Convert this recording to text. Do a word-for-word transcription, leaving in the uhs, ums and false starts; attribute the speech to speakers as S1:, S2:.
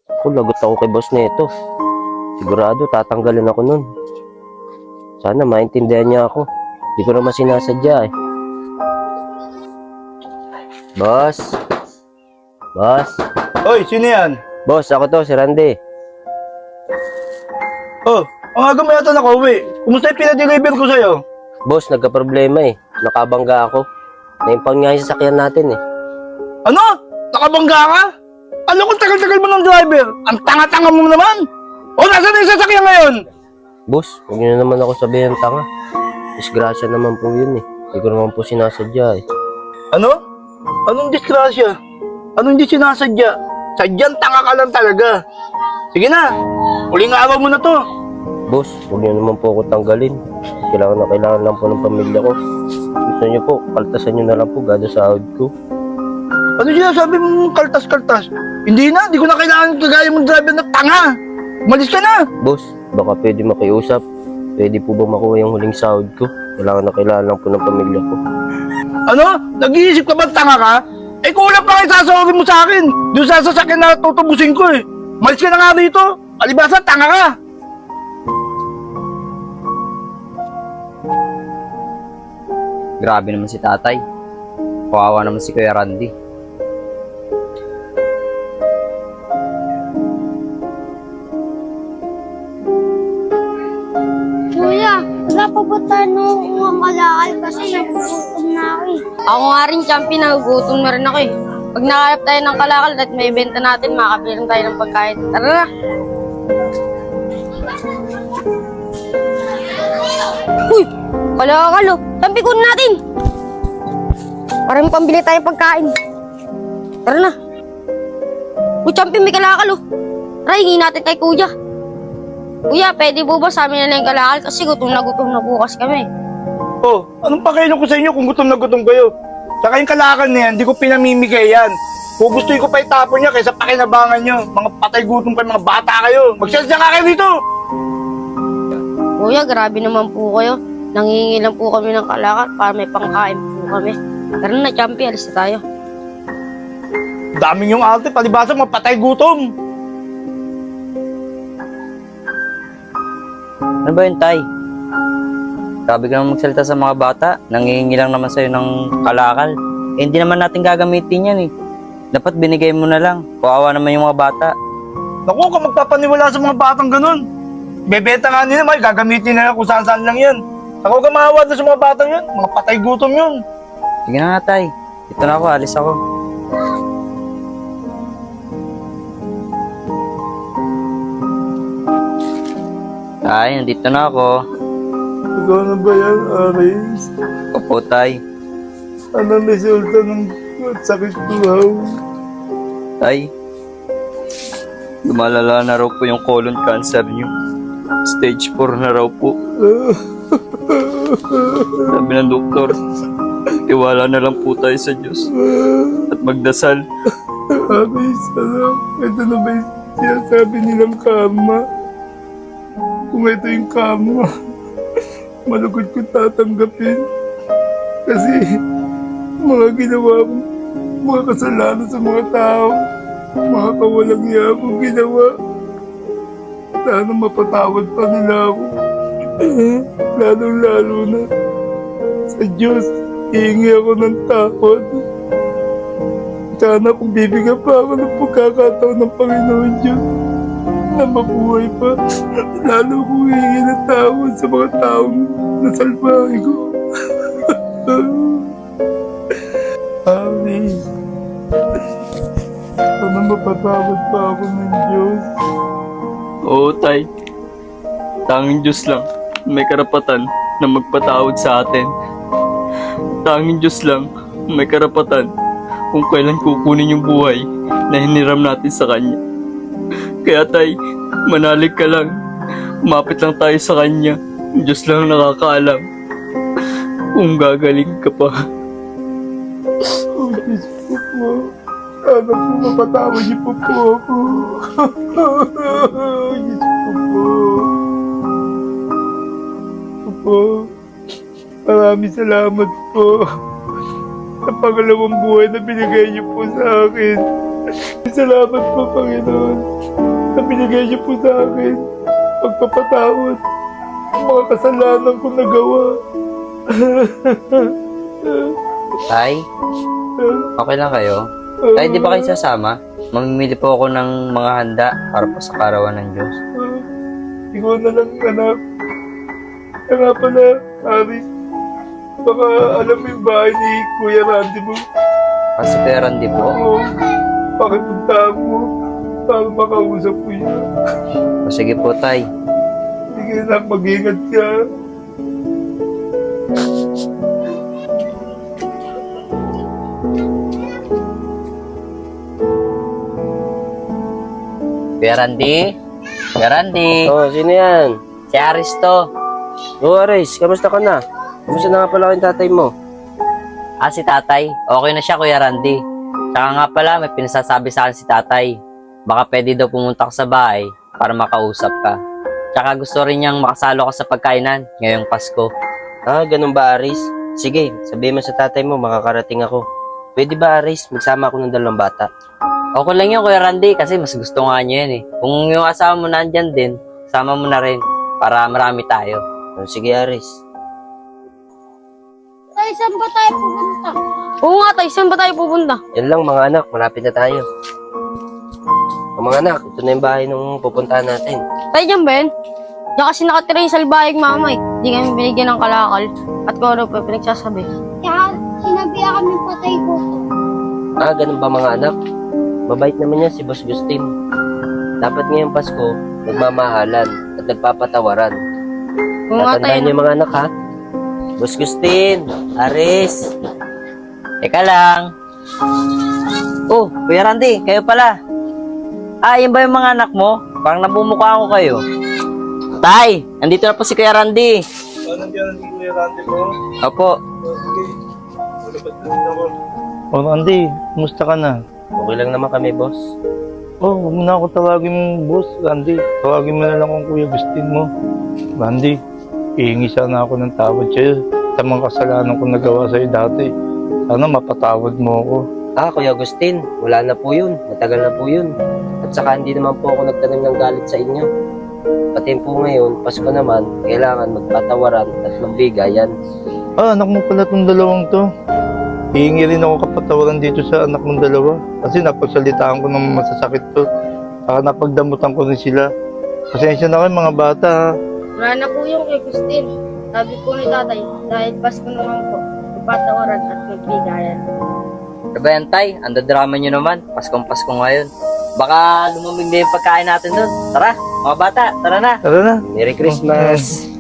S1: Ako, lagot ako kay boss nito. Sigurado, tatanggalin ako nun. Sana maintindihan niya ako. Hindi ko naman sinasadya eh. Boss? Boss?
S2: Hoy, sino yan?
S1: Boss, ako to, si Randy.
S2: Oh, ang aga mo yata nakauwi. Kumusta yung pinadeliver ko sa'yo?
S1: Boss, nagka-problema eh. Nakabangga ako. Naimpang nga yung sasakyan natin eh.
S2: Ano? Nakabangga ka? Ano kung tagal-tagal mo ng driver? Ang tanga-tanga mo naman! O, nasa na yung sasakyan ngayon?
S1: Boss, huwag niyo na naman ako sabihin ng tanga. Disgrasya naman po yun eh. Hindi ko naman po sinasadya eh.
S2: Ano? Anong disgrasya? Anong hindi sinasadya? Sadyang tanga ka lang talaga. Sige na, huling araw mo na to.
S1: Boss, huwag niyo naman po ako tanggalin. Kailangan na kailangan lang po ng pamilya ko. Gusto niyo po, kaltasan niyo na lang po gado sa sahod ko.
S2: Ano sinasabi mong kaltas-kaltas? Hindi na, hindi ko na kailangan kagaya mong driver na tanga. Umalis ka na.
S1: Boss, baka pwede makiusap. Pwede po ba makuha yung huling sahod ko? Kailangan na kailangan lang po ng pamilya ko.
S2: Ano? Nag-iisip ka ba tanga ka? Eh kulang pa kayo sasawarin mo sa akin. Doon sa sasakyan na tutubusin ko eh. Umalis ka na nga rito. Alibasa, tanga ka.
S3: Grabe naman si tatay. Kawawa naman si Kuya Randy.
S4: Kuya, wala pa ba tayo nung kalakal kasi nagugutom na ako eh.
S5: Ako nga rin, champion, nagugutom na rin ako eh. Pag nakahanap tayo ng kalakal at may benta natin, makakabili rin tayo ng pagkain. Tara na! Uy! Kalakal oh! Champion, kunin natin! Para may pambili tayong pagkain. Tara na! Uy, champion, may kalakal oh! Tara, hingin natin kay kuya. Kuya, pwede po ba sa amin na lang yung kalakal? Kasi gutom na gutom na bukas kami.
S2: Oh, anong pakailan ko sa inyo kung gutom na gutom kayo? Saka yung kalakal na yan, hindi ko pinamimigay yan. Kung gustuin ko pa itapon niya kaysa pakinabangan nyo. Mga patay gutom kayo, mga bata kayo. Magsalsa nga kayo dito!
S5: Kuya, grabe naman po kayo. Nangingi lang po kami ng kalakal para may pangkain po kami. Tara na, champion, alis na tayo.
S2: Daming yung arte, palibasa mga patay gutom.
S3: Ano ba yun, tay? Grabe ka naman magsalita sa mga bata. Nangihingi lang naman sa'yo ng kalakal. Eh, hindi naman natin gagamitin yan eh. Dapat binigay mo na lang. Kawawa naman yung mga bata.
S2: Naku, kung magpapaniwala sa mga batang ganun. Bebenta nga nila, may gagamitin na lang kung saan-saan lang yan. Ako ka maawa sa mga batang yun. Mga patay gutom yun.
S3: Sige na nga, tay. Ito na ako, alis ako. Tay, nandito na ako.
S2: Ikaw na ba yan, Aris?
S3: Opo, tay.
S2: Anong resulta ng sakit ko, ha?
S3: Tay, lumalala na raw po yung colon cancer niyo. Stage four na raw po. Sabi ng doktor, tiwala na lang po tayo sa Diyos at magdasal.
S2: Aris, ano? Ito na ba yung sinasabi nilang kama? Kung ito yung kama, malugod ko tatanggapin. Kasi mga ginawa kong mga kasalanan sa mga tao, mga kawalang iya akong ginawa. Sana mapatawad pa nila ako. Lalong-lalo na sa Diyos, hihingi ako ng tawad. Sana kung bibigyan pa ako ng pagkakataon ng Panginoon Diyos na mabuhay pa, lalo kong hihingi ng tawad sa mga taong nasalbahe ko. Amen. Sana mapatawad pa ako ng Diyos.
S3: Oo, tay. Tanging Diyos lang may karapatan na magpatawad sa atin. Tanging Diyos lang may karapatan kung kailan kukunin yung buhay na hiniram natin sa Kanya. Kaya tay, manalig ka lang. Umapit lang tayo sa Kanya. Diyos lang nakakaalam kung gagaling ka pa.
S2: Oh, Diyos ko po. Sana po mapatawad niyo po po ako. Diyos ko po. Po. Maraming salamat po sa pangalawang buhay na binigay niyo po sa akin. salamat po, Panginoon, na binigay niyo po sa akin pagpapatawad ng mga kasalanan kong nagawa.
S6: Tay, okay lang kayo? Tay, di ba kayo sasama? Mamimili po ako ng mga handa para po sa karawan ng Diyos.
S2: Ikaw na lang, anak. Kaya nga pala, Aris, baka alam mo yung bahay ni Kuya Randy mo.
S6: Kasi Kuya Randy po.
S2: Oo, pakipunta mo para makausap ko yun.
S6: O sige po, Tay.
S2: Sige anak, mag-ingat ka.
S6: Kuya Randy? Kuya Randy?
S1: Oh, sino yan?
S6: Si Aris to.
S1: Oh, Aris, kamusta ka na? Kamusta na nga pala yung tatay mo?
S6: Ah, si Tatay. Okay na siya, Kuya Randy. Tsaka nga pala, may pinasasabi sa akin si Tatay. Baka pwede daw pumunta ka sa bahay para makausap ka. Tsaka gusto rin niyang makasalo ka sa pagkainan ngayong Pasko.
S1: Ah, ganun ba, Aris? Sige, sabihin mo sa tatay mo, makakarating ako. Pwede ba, Aris? Magsama ako ng dalawang bata.
S6: Okay lang yun, Kuya Randy, kasi mas gusto nga niya yan eh. Kung yung asawa mo nandyan din, sama mo na rin para marami tayo.
S1: Oh, sige, Aris.
S4: Tay, saan ba tayo pupunta?
S5: Oo nga, tay. Saan ba tayo pupunta?
S1: Yan lang, mga anak. Malapit na tayo. O, mga anak, ito na yung bahay nung pupuntahan natin.
S5: Tay, dyan ba yun? Diyan kasi nakatira yung salbayang mama eh. Hindi kami binigyan ng kalakal. At kung ano pa pinagsasabi.
S4: Kaya sinabihan kami patay ko to.
S1: Ah, ganun ba, mga anak? Mabait naman yan si Boss Gustin. Dapat ngayong Pasko, nagmamahalan at nagpapatawaran.
S5: Oo nga, tay.
S1: Tatandaan niyo, mga anak, ha? Boss Gustin, Aris.
S6: Teka lang. Oh, Kuya Randy, kayo pala. Ah, yun ba yung mga anak mo? Parang nabumukha ko kayo. Tay, andito na po si Kuya Randy.
S2: Ano nandiyan ang Kuya Randy mo?
S6: Opo.
S2: Sige, malabas na rin ako. Oh, Randy, kumusta ka na?
S1: Okay lang naman kami, boss.
S2: Oh, huwag mo na ako tawagin mong boss, Randy. Tawagin mo na lang kung Kuya Gustin mo. Randy, ihingi sana ako ng tawad sa'yo sa mga kasalanan kong nagawa sa'yo dati. Sana mapatawad mo ako.
S1: Ah, Kuya Agustin, wala na po yun. Matagal na po yun. At saka hindi naman po ako nagtanim ng galit sa inyo. Pati po ngayon, Pasko naman, kailangan magpatawaran at magbigayan.
S2: Ah, anak mo pala itong dalawang to. Hihingi rin ako kapatawaran dito sa anak mong dalawa. Kasi napagsalitaan ko ng masasakit to. Saka napagdamutan ko rin sila. Pasensya na kayo mga bata ha.
S5: Wala na po yung kay Christine. Sabi po ni tatay, dahil Pasko naman po, ipatawaran at magbigayan.
S6: Diba yan, Tay? Ando drama nyo naman. Paskong Pasko ngayon. Baka lumamig na yung pagkain natin doon. Tara, mga bata, tara na.
S2: Tara na.
S1: Merry Christmas!